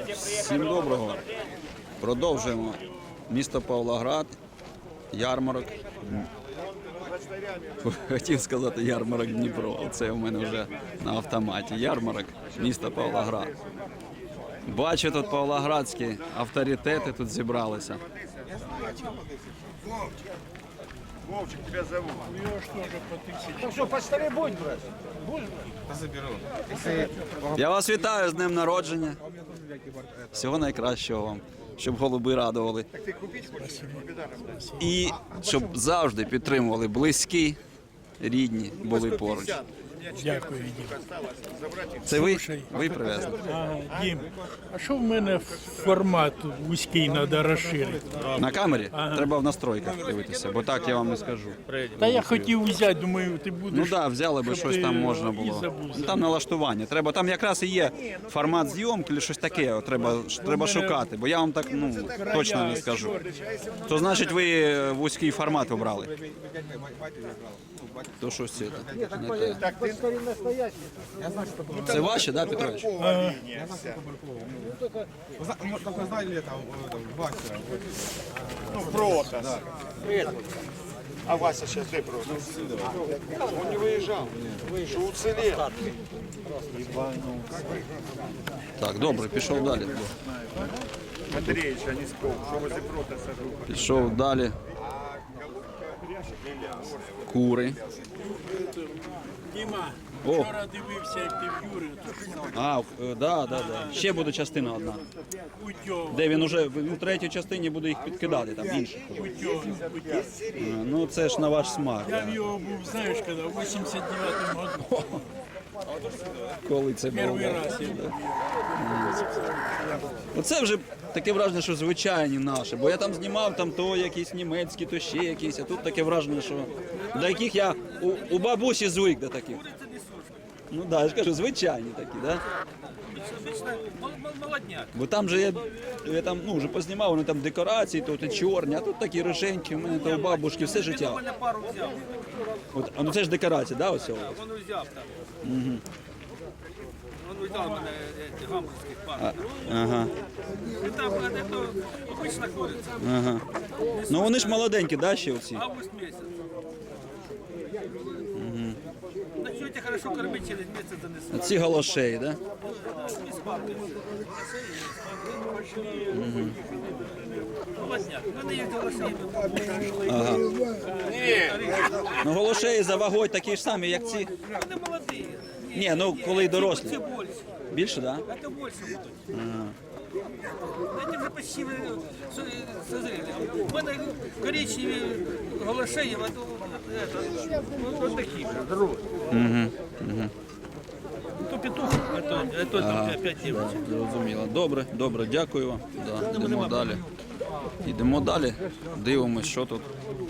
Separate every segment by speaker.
Speaker 1: Всім доброго. Продовжуємо. Місто Павлоград, ярмарок. Хотів сказати ярмарок Дніпро. Це у мене вже на автоматі. Ярмарок міста Павлоград. Бачу, тут павлоградські авторитети тут зібралися.
Speaker 2: Вовчик, тебя зовут.
Speaker 3: Ну что, по старой будь брать? Будешь брать?
Speaker 2: Заберу.
Speaker 1: Я вас вітаю з днем народження. Всього найкращого вам, щоб голуби радували. І щоб завжди підтримували близькі, рідні, були поруч.
Speaker 3: Дякую, Дім.
Speaker 1: Це ви привезли?
Speaker 3: Ага, Дім, а що в мене формат вузький треба розширити?
Speaker 1: На камері? Треба в настройках дивитися, бо так я вам не скажу.
Speaker 3: Та я хотів взяти, думаю, ти будеш...
Speaker 1: Ну так, взяли би щось там можна було. Ну, там налаштування. Треба, там якраз і є формат зйомки, чи щось таке. От треба шукати, бо я вам так точно не скажу. То значить ви вузький формат обрали. То щось це не те. Це ваші, да, Петрович?
Speaker 2: Только знали там Вася. Ну, Протас. А Вася сейчас где Протас? Он не выезжал. Что уцелел.
Speaker 1: Так, добре, пішов далі.
Speaker 2: Андреевич, а не спал. Что возле Протаса?
Speaker 1: Пішов далі. Кури.
Speaker 3: Діма,
Speaker 1: О.
Speaker 3: вчора дивився, як ти в Юри.
Speaker 1: А, да. Ще буде частина одна.
Speaker 3: Путьов,
Speaker 1: Де він уже в третій частині буде їх підкидати, там інших.
Speaker 3: Путьов.
Speaker 1: Ну це ж на ваш смак.
Speaker 3: Я
Speaker 1: Да.
Speaker 3: в його був, знаєш, коли в 89-му году.
Speaker 1: Коли це було.
Speaker 3: Перший раз я був.
Speaker 1: Оце вже таке враження, що звичайні наші. Бо я там знімав там то якісь німецькі, то ще якісь. А тут таке враження, що до яких я у бабусі звик до таких. Ну так, я ж кажу, звичайні такі, да?
Speaker 4: Молодняк.
Speaker 1: Бо там же я там вже познімав, вони там декорації, то чорні, а тут такі риженькі, у мене то у бабушки все життя.
Speaker 4: Мене пару взяв.
Speaker 1: От, ну це ж декорація, да, ось цього?
Speaker 4: Він взяв так. Він взяв мене гамбурзьких пару.
Speaker 1: Ага.
Speaker 4: І там це обична куриця.
Speaker 1: Ага. Ну вони ж молоденькі, да, ще оці?
Speaker 4: Август місяць. Начнете хорошо кормить, через місяць занесу.
Speaker 1: Ці галошеї, да?
Speaker 4: Молодняк. Вони є голоси.
Speaker 1: Ага. Ну голошеї за вагою такі ж самі, як ці.
Speaker 4: Вони молоді.
Speaker 1: Ні, ну коли дорослі.
Speaker 4: Це більше.
Speaker 1: Більше, да?
Speaker 4: Це більше будуть. Вони вже почти созріли. У мене коричневі голошеї, а то такі. То петух, а то там 5 дівчат.
Speaker 1: Зрозуміло. Добре, дякую вам. Да, йдемо далі. Йдемо далі, дивимось, що тут.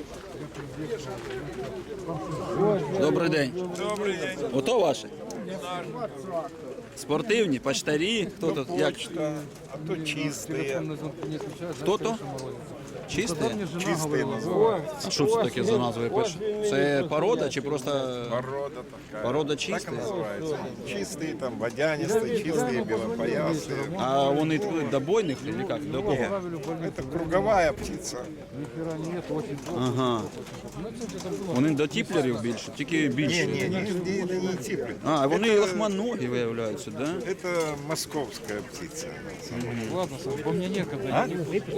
Speaker 1: Добрий день.
Speaker 2: Добрый день.
Speaker 1: Ото ваші? Спортивні, почтарі, хто тут? Як?
Speaker 2: А то чистые.
Speaker 1: Хто то? Чисті?
Speaker 2: Чистые называют.
Speaker 1: А що це таке за назвою пише? Це порода чи просто
Speaker 2: Порода такая.
Speaker 1: порода
Speaker 2: Так
Speaker 1: чиста?
Speaker 2: и называется. Чистые там, водянистые, чистые, белопоясные.
Speaker 1: А вони до бойних чи як? До кого?
Speaker 2: Это круговая птица.
Speaker 1: Ага. Вони до тіплерів більше, тільки більше.
Speaker 2: Это не типы.
Speaker 1: А, вони лохманогі виявляються, да?
Speaker 2: Это московская птица.
Speaker 5: Ладно, Саш, по мне некогда.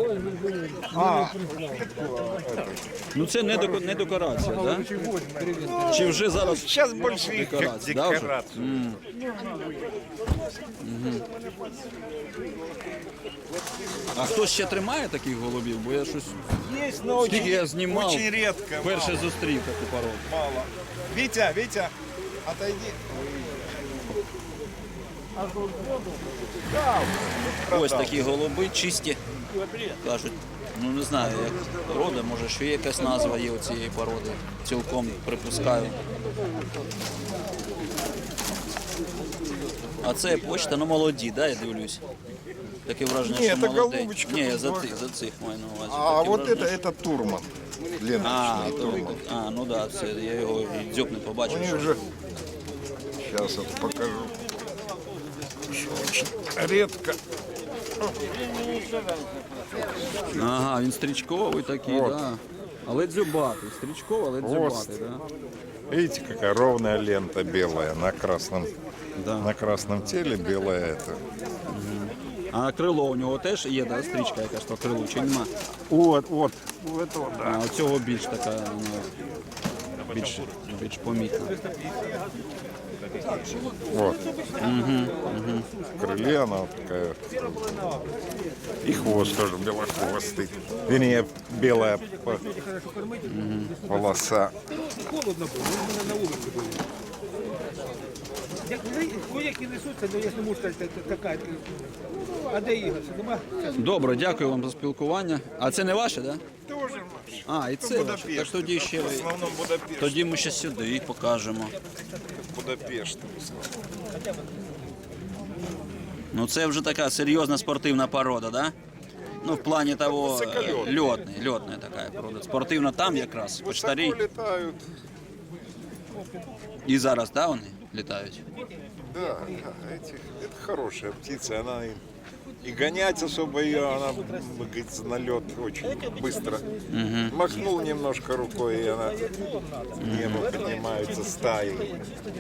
Speaker 1: Ну це не декорація, да? Чи вже зараз
Speaker 2: Сейчас больше их как
Speaker 1: декорація, да, вже?
Speaker 2: декорацию.
Speaker 1: А хтось ще тримає таких голубів? Бо я щось
Speaker 2: Есть, но
Speaker 1: скільки я знімав,
Speaker 2: очень редко.
Speaker 1: перше зустрів таку породу.
Speaker 2: Мало. Витя, отойди.
Speaker 1: Ось такі голуби чисті. Кажуть, ну не знаю, як порода, може ще якась назва є у цієї породи. Цілком припускаю. А це почта, ну молоді, да, я дивлюсь. Таке враження,
Speaker 2: Ні,
Speaker 1: що
Speaker 2: це
Speaker 1: молоденькі.
Speaker 2: голубочка
Speaker 1: Ні,
Speaker 2: тут,
Speaker 1: за цих маю на увазі.
Speaker 2: А
Speaker 1: Таке
Speaker 2: вот
Speaker 1: враження,
Speaker 2: это Турман. Длинночный.
Speaker 1: ну да, це я його і дзьоб не побачив.
Speaker 2: У них
Speaker 1: що-
Speaker 2: же... Сейчас вот покажу. Очень редко
Speaker 1: Ага, він стрічковий такий,
Speaker 2: От.
Speaker 1: да. Але дзюбатий. Стрічковий, але дзюбатий, да.
Speaker 2: Видите, какая ровная лента белая
Speaker 1: Да.
Speaker 2: на красном теле белая это.
Speaker 1: А крило у нього теж є, да, стрічка якась по крилу, чи нема?
Speaker 2: Вот, у этого, да.
Speaker 1: А у цього більш така, ну, більш помітна.
Speaker 2: Вот. В крыле она вот такая. И хвост тоже белохвостый. Вернее, белая полоса.
Speaker 4: Холодно було, він мене на вулиці був. Як несуться, ну я ж не можу сказати, така. А де Ігор? Нема?
Speaker 1: Добре, дякую вам за спілкування. А це не ваше, так? Да?
Speaker 2: Тоже наш.
Speaker 1: А, і це ваше. Так тоді ще
Speaker 2: В основном Будапешт.
Speaker 1: тоді ми ще сюди їх покажемо.
Speaker 2: Будапешт.
Speaker 1: Ну це вже така серйозна спортивна порода, да? Ну, в плані того, льотна така порода. Спортивна там якраз, почтарі.
Speaker 2: Высоко летают.
Speaker 1: І зараз, да, вони літають?
Speaker 2: Да, это хорошая птица. Она и гонять особо ее, она, говорится, на лед очень быстро. Махнул немножко рукой, и она в небо поднимается стаей.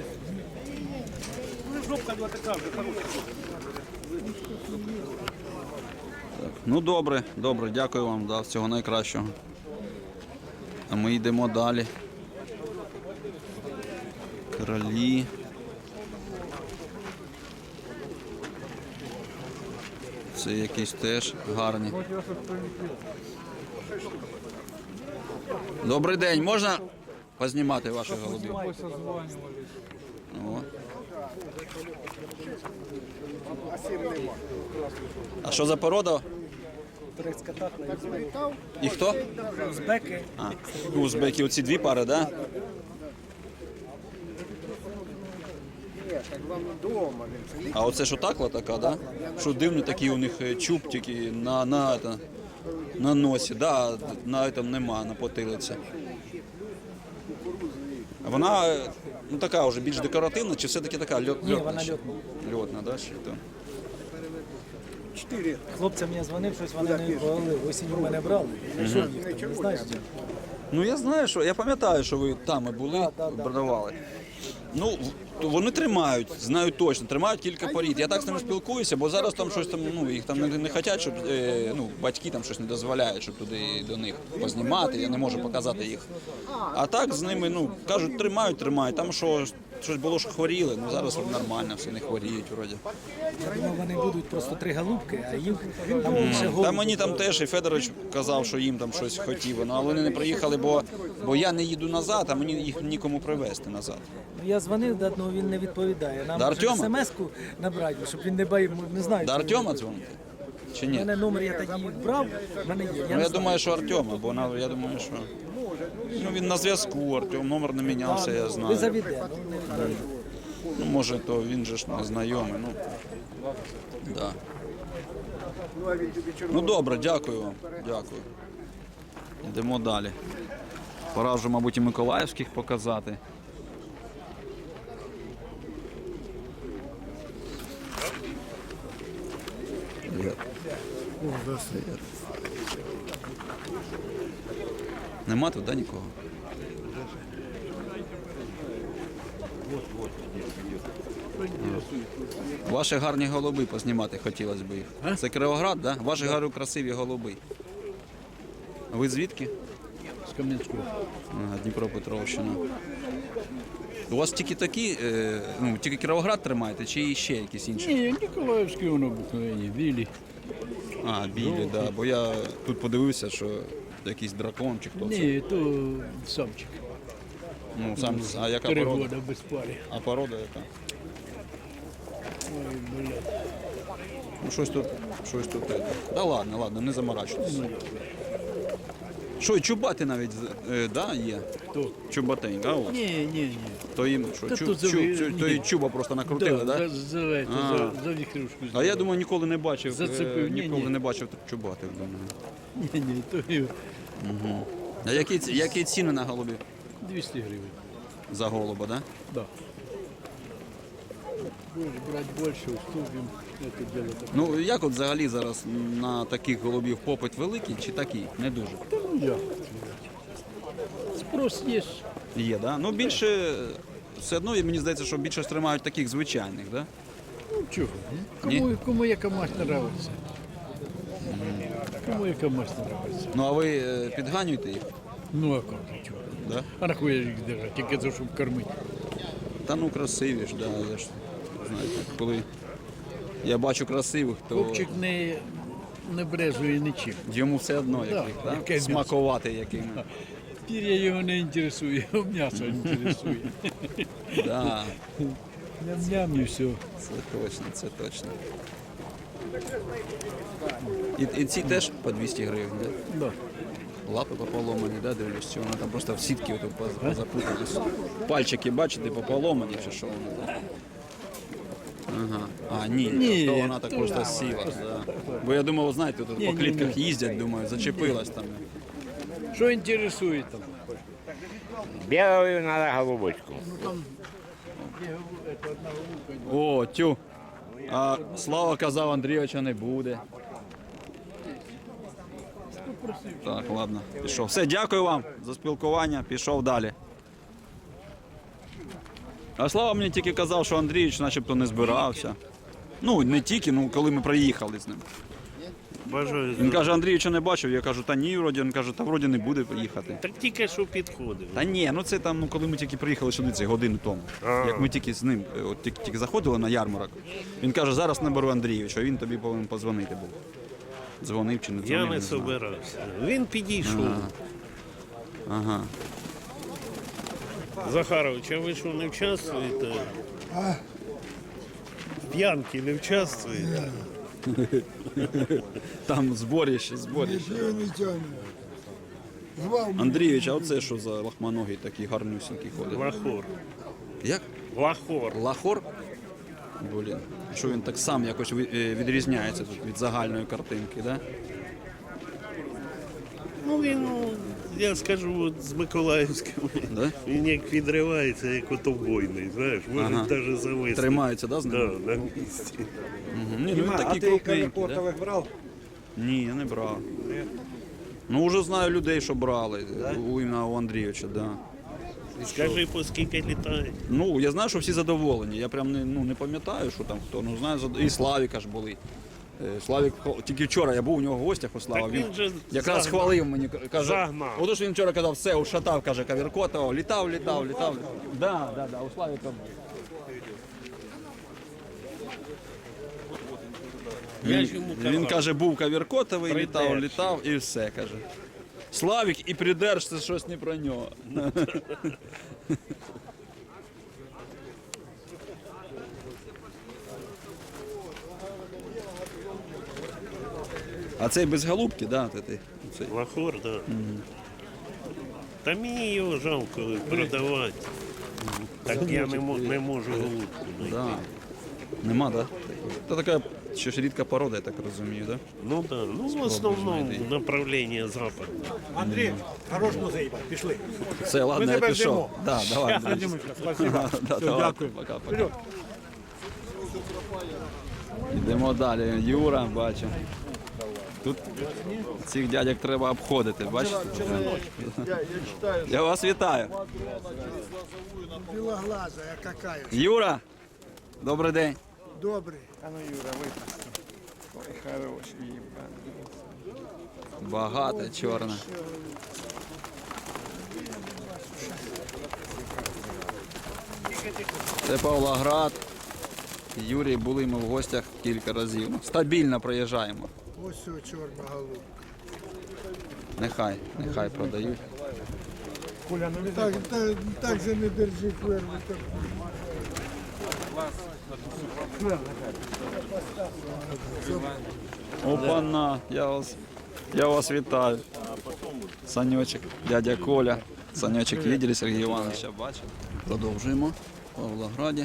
Speaker 1: Ну добре, добре, дякую вам, да, всього найкращого. А ми йдемо далі. Кролі. Це якісь теж гарні. Добрий день, можна познімати ваших голубів? О. А що за порода?
Speaker 6: Турецька татна і узбек.
Speaker 1: І хто?
Speaker 6: Узбеки.
Speaker 1: А, узбеки, оці дві пари, так? Да?
Speaker 6: Так вам вдома.
Speaker 1: А оце що такла така, да? Що дивний такий у них чуб тільки на носі, да, на этом нема, на потилиці. А вона ну, така вже більш декоративна, чи все-таки така льотна?
Speaker 6: Ні, вона льотна.
Speaker 1: Льотна, да, ще то.
Speaker 6: Хлопцям я дзвонив, щось вони не відповіли. Осінь у мене брали. Що їх там, не знаєш?
Speaker 1: Ну я знаю, що я пам'ятаю, що ви там і були,
Speaker 6: Да.
Speaker 1: продавали. Ну, вони тримають, знаю точно, тримають кілька порід. Я так з ними спілкуюся, бо зараз там щось там, ну, їх там не хочуть, щоб ну, батьки там щось не дозволяють, щоб туди до них познімати, я не можу показати їх. А так з ними, ну, кажуть, тримають. Там щось було, що хворіли, ну зараз нормально, все не хворіють вроді.
Speaker 6: Я думав, вони будуть просто 3 голубки, а їм там більше голубів.
Speaker 1: Та мені там теж і Федорович казав, що їм там щось хотів, ну, але вони не приїхали, бо я не їду назад, а мені їх нікому привезти назад.
Speaker 6: Ну, я дзвонив, да, ну, він не відповідає. Нам
Speaker 1: До Артема?
Speaker 6: смс-ку набрати, щоб він не бає, не знаю.
Speaker 1: До
Speaker 6: чи-
Speaker 1: Артема дзвонити? Чи
Speaker 6: У
Speaker 1: ні?
Speaker 6: мене номер я тоді брав, в мене є.
Speaker 1: Ну,
Speaker 6: не
Speaker 1: я
Speaker 6: знаю.
Speaker 1: думаю, що Артема, бо я думаю, що ну, він на зв'язку, Артем, номер не мінявся, я
Speaker 6: Ви
Speaker 1: знаю.
Speaker 6: завіде, ну не відповідає.
Speaker 1: Ну, може, то він же ж не знайомий, ну, да. Ну, добре, дякую вам, дякую. Йдемо далі. Пора вже, мабуть, і миколаївських показати. Нема тут, да, нікого? Ваші гарні голуби познімати хотілося б їх. Це Кривоград, да? Ваші гарні красиві голуби. А ви звідки?
Speaker 3: З Кам'янського.
Speaker 1: Ага, Дніпропетровщина. У вас тільки такі, ну, тільки Кіровоград тримаєте, чи ще якісь інші?
Speaker 3: Ні, Ніколаївські воно обикновені, білі.
Speaker 1: А, білі, да. Бо я тут подивився, що якийсь дракон чи хто це.
Speaker 3: Ні, то самчик.
Speaker 1: Ну, сам, а яка
Speaker 3: 3
Speaker 1: порода?
Speaker 3: роки без пари.
Speaker 1: А порода яка?
Speaker 3: Ой, блядь.
Speaker 1: Ну, щось тут. Да ладно, не заморачуйтесь. Що, і чубати навіть, да, є?
Speaker 3: Хто?
Speaker 1: Чубатень, да, у вас?
Speaker 3: Ні.
Speaker 1: То їм що,
Speaker 3: Та тут ні.
Speaker 1: то і чуба просто накрутили, да?
Speaker 3: За віхрушку.
Speaker 1: А я думаю, ніколи не бачив,
Speaker 3: Зацепив,
Speaker 1: ніколи
Speaker 3: ні.
Speaker 1: не бачив чубатих, думаю.
Speaker 3: Ні, то і
Speaker 1: А які ціни на голубів?
Speaker 3: 200 гривень.
Speaker 1: За голуба, да?
Speaker 3: Да. Будешь брать больше, уступим. Это дело такое.
Speaker 1: Ну як от взагалі зараз на таких голубів попит великий чи такий? Не дуже.
Speaker 3: Ну, як сказати. Спрос є.
Speaker 1: Є, да? Ну більше все одно, і мені здається, що більше тримають таких звичайних, да?
Speaker 3: Ну, чого? Кому яка мать нравиться. Кому яка мать нравиться.
Speaker 1: Ну а ви підганюєте їх?
Speaker 3: Ну, а як же, чого?
Speaker 1: Да?
Speaker 3: А на хуя їх держать, тільки за щоб кормити.
Speaker 1: Та ну красиві ж, да, я ж знаєте, коли я бачу красивих, то
Speaker 3: Хлопчик не брезує нічим.
Speaker 1: йому все одно
Speaker 3: Да,
Speaker 1: яких, да?
Speaker 3: яке м'ясо.
Speaker 1: Смакувати якими.
Speaker 3: Пір'я його не інтересує, м'ясо інтересує.
Speaker 1: Да,
Speaker 3: Ням-ням і все.
Speaker 1: це точно, це точно. І ці теж по 200 гривень, да?
Speaker 3: Да.
Speaker 1: Лапи пополомані, да, дивлюсь, чи вони там просто в сітки отут позапутались. Пальчики, бачите, пополомані, чи що вони там? Ага. А, ні,
Speaker 3: Ні,
Speaker 1: то вона так
Speaker 3: то
Speaker 1: просто сіла. Да. Бо я думав, знаєте, тут по клітках їздять, думаю, зачепилась там.
Speaker 3: Що інтересує там?
Speaker 7: Белую надо голубочку.
Speaker 1: О, тю. А Слава казав, Андрійовича не буде. Так, ладно, пішов. Все, дякую вам за спілкування, пішов далі. А Слава мені тільки казав, що Андрійович начебто не збирався. Ну, не тільки, ну коли ми приїхали з ним.
Speaker 8: Бажаю.
Speaker 1: Він каже, Андрійовича не бачив, я кажу, та ні, вроді, він каже, та вроді не буде приїхати.
Speaker 8: Так тільки що підходив.
Speaker 1: Та ні, ну це там, ну коли ми тільки приїхали сюди, це годину тому. Як ми тільки з ним, от тільки заходили на ярмарок, він каже, зараз наберу Андрійовича, він тобі повинен позвонити був. Дзвонив чи не дзвонив,
Speaker 8: Я не
Speaker 1: знаю.
Speaker 8: собирався. Він підійшов.
Speaker 1: Ага.
Speaker 8: Захарович, а ви що не участвуєте? В п'янки не участвуєте?
Speaker 1: Там зборіще. Андрійович, а оце що за лахманогий такий гарнюсінький ходить?
Speaker 8: Лахор.
Speaker 1: Як?
Speaker 8: Лахор.
Speaker 1: Лахор? Блін. Що він так сам якось відрізняється тут від загальної картинки, да?
Speaker 8: Ну він, я скажу, от з Миколаївськими.
Speaker 1: Да?
Speaker 8: Він як відривається, як отобойний, знаєш, може навіть зависти.
Speaker 1: Тримається, да, з ним?
Speaker 8: Да, на місці.
Speaker 1: Ні, ну він такий крупненький, да?
Speaker 6: брав?
Speaker 1: Ні, я не брав. Ну, вже знаю людей, що брали. Іменно у Андрійовича, да.
Speaker 8: Скажи, по скільки літає?
Speaker 1: Ну, я знаю, що всі задоволені. Я прям не пам'ятаю, що там хто. Ну, знаю, і Славіка ж були. Славік, тільки вчора я був у нього в гостях у Слава.
Speaker 8: Так він же
Speaker 1: якраз
Speaker 8: загнав.
Speaker 1: хвалив мені, каже,
Speaker 8: Загнав.
Speaker 1: отож він вчора казав, все, ушатав, каже, Кавіркотова, літав. Да, у Славіка.
Speaker 8: Я ж йому
Speaker 1: Він
Speaker 8: казав.
Speaker 1: каже, був Кавіркотовий,
Speaker 8: Придержся.
Speaker 1: літав і все, каже. Славік і придерж, це щось не про нього. А цей без голубки, да? Цей.
Speaker 8: Лахор, так. Да. Та мені його жалко продавати. Так я не можу голубку знайти.
Speaker 1: Да. Нема, да? Це така ще ж рідка порода, я так розумію, да?
Speaker 8: Ну так, да. Ну в основному
Speaker 1: знайти.
Speaker 8: направлення запад.
Speaker 6: Андрій, хорош музей, пішли.
Speaker 1: Все, ладно,
Speaker 6: Ми
Speaker 1: я
Speaker 6: тебе
Speaker 1: пішов.
Speaker 6: ждемо.
Speaker 1: Да, давай. Андрій.
Speaker 6: Спасибо.
Speaker 1: Да, давай,
Speaker 6: дякую.
Speaker 1: пока. Йдемо далі. Юра, бачу. Тут цих дядьок треба обходити, бачите? Я вас вітаю.
Speaker 9: Белоглазая какая.
Speaker 1: Юра, добрий день.
Speaker 9: Добрый.
Speaker 1: Багато чорна. Це Павлоград. Юрій, були ми в гостях кілька разів. Стабільно проїжджаємо.
Speaker 9: Ось все чорна голубка.
Speaker 1: Нехай продають.
Speaker 9: Так же не держи хверву.
Speaker 1: Опана, я вас вітаю. Санечек, дядя Коля. Санечек видели, Сергій Івановича бачив. Продовжуємо в Павлограді.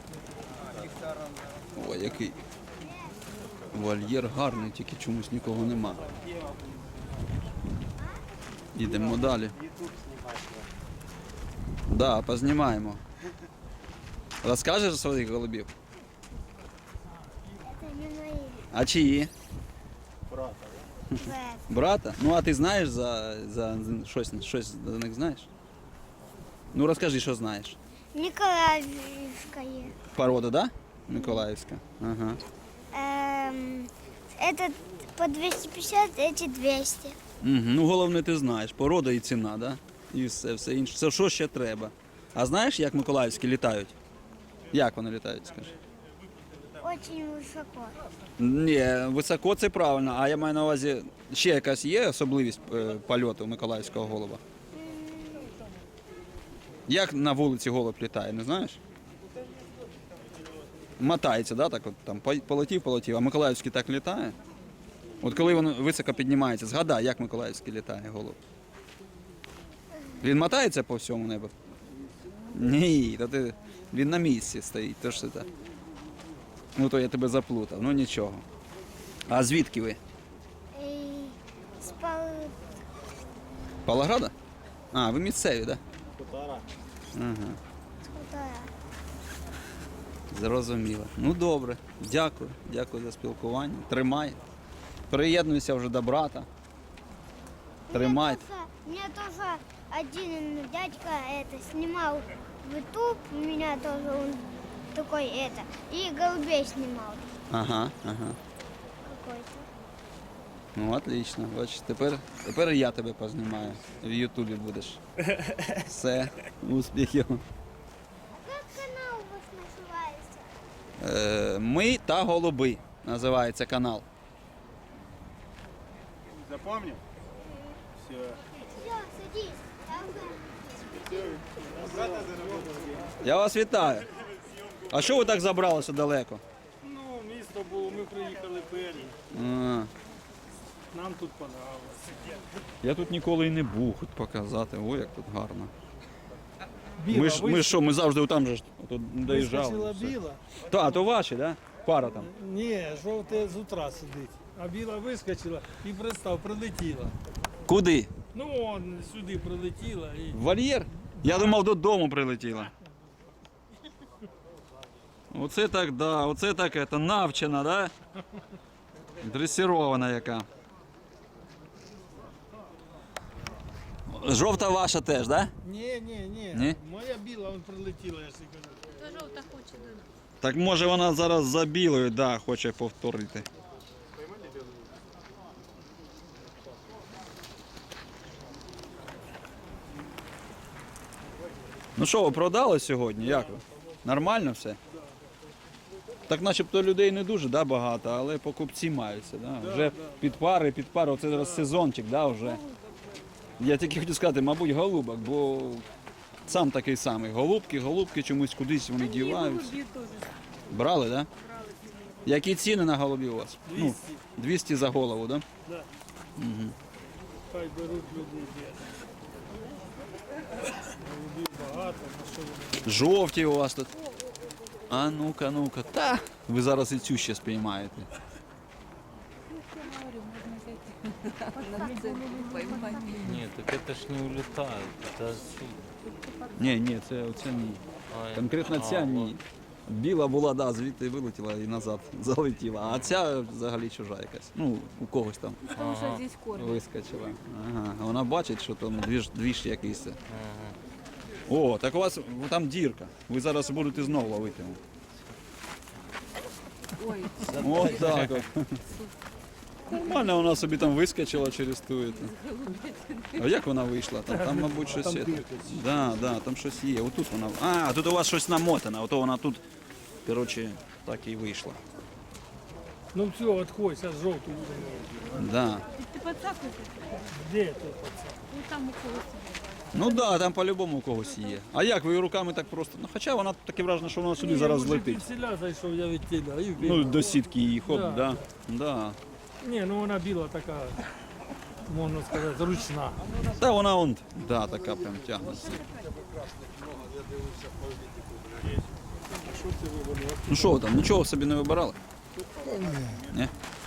Speaker 1: Ой, який вольєр гарний, тільки чомусь нікого нема. Йдемо далі. Да, познімаємо. Розкажеш своїх голубів?
Speaker 10: не мои.
Speaker 1: А чиї?
Speaker 10: Брат.
Speaker 1: Брата? Ну а ти знаєш за щось за них знаєш? Ну розкажи, що знаєш.
Speaker 10: Николаевская.
Speaker 1: Порода, да? Миколаївська. Ага.
Speaker 10: Этот по 250, эти 200.
Speaker 1: Ну головне ти знаєш. Порода і ціна, да? І все інше. Це що ще треба? А знаєш, як миколаївські літають? Як вони літають, скажи?
Speaker 10: Очень высоко.
Speaker 1: Ні, високо це правильно, а я маю на увазі, ще якась є особливість польоту миколаївського голуба? Як на вулиці голуб літає, не знаєш? Мотається, да, так от там полетів, а миколаївський так літає? От коли він високо піднімається, згадай, як миколаївський літає голуб. Він мотається по всьому небу? Ні, він на місці стоїть, то ж це так. Ну то я тебе заплутав, ну нічого. А звідки ви?
Speaker 10: С
Speaker 1: Павлограда? А, ви місцеві, так? Да? Ага.
Speaker 10: Хутора.
Speaker 1: Зрозуміло. Ну добре. Дякую за спілкування. Тримай. Приєднуйся вже до брата. Тримай.
Speaker 10: У меня тоже один дядька снимал в YouTube, у меня тоже он такой и голубей снимал
Speaker 1: Ага.
Speaker 10: какой-то.
Speaker 1: Ну, отлично. Бачиш, тепер і я тебе познімаю. В Ютубі будеш. Все, успіхів.
Speaker 10: Как канал у вас называется?
Speaker 1: Ми та голуби називається канал.
Speaker 4: Запомнив? Все.
Speaker 10: Все, садись.
Speaker 1: Я вас вітаю. А що ви так забралися далеко?
Speaker 3: Ну, місто було, ми приїхали перші.
Speaker 1: А,
Speaker 3: Нам тут подобалося.
Speaker 1: я тут ніколи і не був, хоч показати. Ой, як тут гарно.
Speaker 6: Біла,
Speaker 1: Ми що, ми завжди там же ж тут доїжджали.
Speaker 6: вискочила
Speaker 1: все.
Speaker 6: біла.
Speaker 1: Та, то ваші, да? Пара там.
Speaker 6: Ні, жовте з утра сидить. А біла вискочила і прилетіла.
Speaker 1: Куди?
Speaker 3: Ну, он сюди прилетіла і
Speaker 1: В вольєр? Я думав, додому прилетіла. Оце так, да, оце так, это, навчена, да? Дресірована яка. Жовта ваша теж, да?
Speaker 6: Ні.
Speaker 1: Ні?
Speaker 6: Моя біла он прилетіла, я ж кажу.
Speaker 1: Так може вона зараз за білою, да, хоче повторити. Ну що, ви продали сьогодні? Як ви? Нормально все? Так начебто людей не дуже, да, багато, але покупці маються. Да? Вже під пари, оце зараз сезончик, да, вже. Я тільки хотів сказати, мабуть, голубок, бо сам такий самий. Голубки чомусь кудись вони діваються. Брали, так? Да? Які ціни на голубів у вас?
Speaker 3: 200.
Speaker 1: Ну, 200 за голову, так? Да?
Speaker 3: Да. Хай беруть люди. Голубів багато, на що вони?
Speaker 1: Жовті у вас тут. А ну-ка. Та, ви зараз і цю ще спіймаєте.
Speaker 5: Нет, так это ж не улетает. Это отсюда.
Speaker 1: Ні, це ні. Конкретно ця ні. Біла була, да, звідти вилетіла і назад залетіла. А ця взагалі чужа якась. Ну, у когось там вискочила. Ага. Вона бачить, що там двіж якийсь. О, так у вас там дірка. Ви зараз будете знову ловити. Ось так от. Нормально вона собі там вискочила через ту. А як вона вийшла? Там мабуть, щось є. Да, там щось є. Отут вона. А, тут у вас щось намотане, ото вона тут, коротше, так і вийшла.
Speaker 3: Ну все, отходь, зараз жовту.
Speaker 1: Да.
Speaker 11: Ти поцапай?
Speaker 3: Де ти пацан?
Speaker 11: Ну там у когось.
Speaker 1: Ну так, да, там по-любому у когось є. А як ви руками так просто? Ну, хоча вона таке враження, що вона сюди зараз злетить.
Speaker 3: Під селя зайшов, я від тіля. І
Speaker 1: Ну, до сітки її хоп,
Speaker 3: Да.
Speaker 1: да. Да.
Speaker 3: Ні, ну вона біла така, можна сказати, ручна.
Speaker 1: Та вона он, да, така прям тягнеться. Ну що ви там, нічого собі не вибирали? Ні?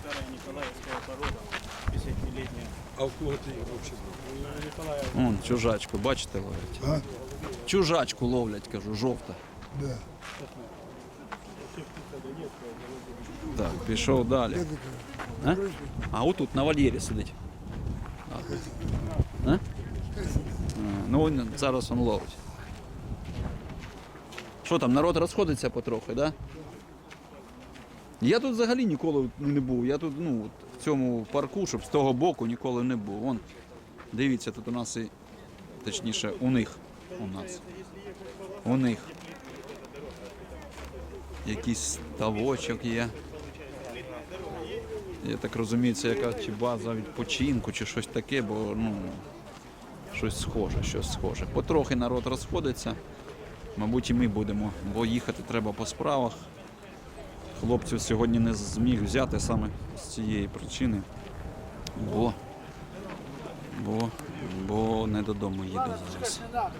Speaker 3: А в кого ти їх взагалі?
Speaker 1: Вон, чужачку, бачите, ловлять? Чужачку ловлять, кажу, жовта. Так, пішов далі. А отут на вольєрі сидить. А? Ну, зараз він ловить. Що там, народ розходиться потрохи, так? Да? Я тут взагалі ніколи не був. Я тут, ну, в цьому парку, щоб з того боку ніколи не був. Вон, дивіться, тут у нас і, точніше, у них. У них. Якийсь ставочок є. Я так розумію, це яка чи база відпочинку, чи щось таке, бо, ну, щось схоже. Потрохи народ розходиться. Мабуть, і ми будемо, бо їхати треба по справах. Хлопців сьогодні не зміг взяти саме з цієї причини, бо не додому їду зараз.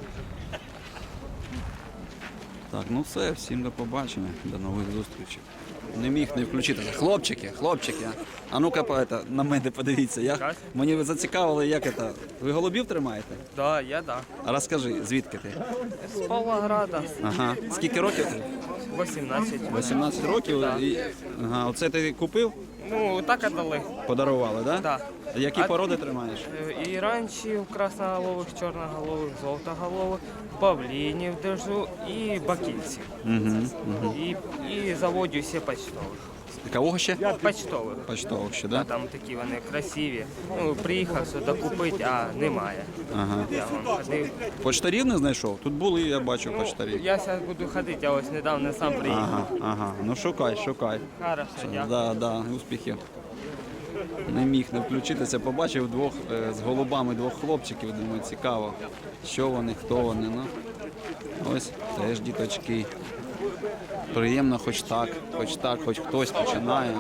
Speaker 1: Так, ну все, всім до побачення, до нових зустрічей. Не міг не включити. Хлопчики, а ну-ка на мене подивіться. Мені зацікавили, як це. Ви голубів тримаєте?
Speaker 6: Да, я да.
Speaker 1: А розкажи, звідки ти?
Speaker 6: З Павлограда.
Speaker 1: Ага. Скільки років ти?
Speaker 6: 18.
Speaker 1: 18 років?
Speaker 6: Да.
Speaker 1: Ага, оце ти купив?
Speaker 6: Ну, так отдали.
Speaker 1: Подарували, так?
Speaker 6: Да.
Speaker 1: Які породи тримаєш?
Speaker 6: Іранчів, красноголових, чорноголових, золотоголових, павлінів держу і бакінців. І заводю ще почтових.
Speaker 1: Кого ще?
Speaker 6: Почтових.
Speaker 1: Почтових ще,
Speaker 6: А
Speaker 1: так?
Speaker 6: там такі вони красиві. Ну, приїхав сюди купити, а немає.
Speaker 1: Ага.
Speaker 6: Я вон ходив.
Speaker 1: Почтарів не знайшов? Тут були, я бачив, почтарів.
Speaker 6: Я зараз буду ходити, я ось недавно сам приїхав.
Speaker 1: Ага. Ну шукай.
Speaker 6: Хорошо, дякую.
Speaker 1: Да, успіхів. Не міг не включитися, побачив двох з голубами двох хлопчиків, думаю, цікаво, що вони, хто вони. Ну, ось теж діточки. Приємно хоч хтось починає.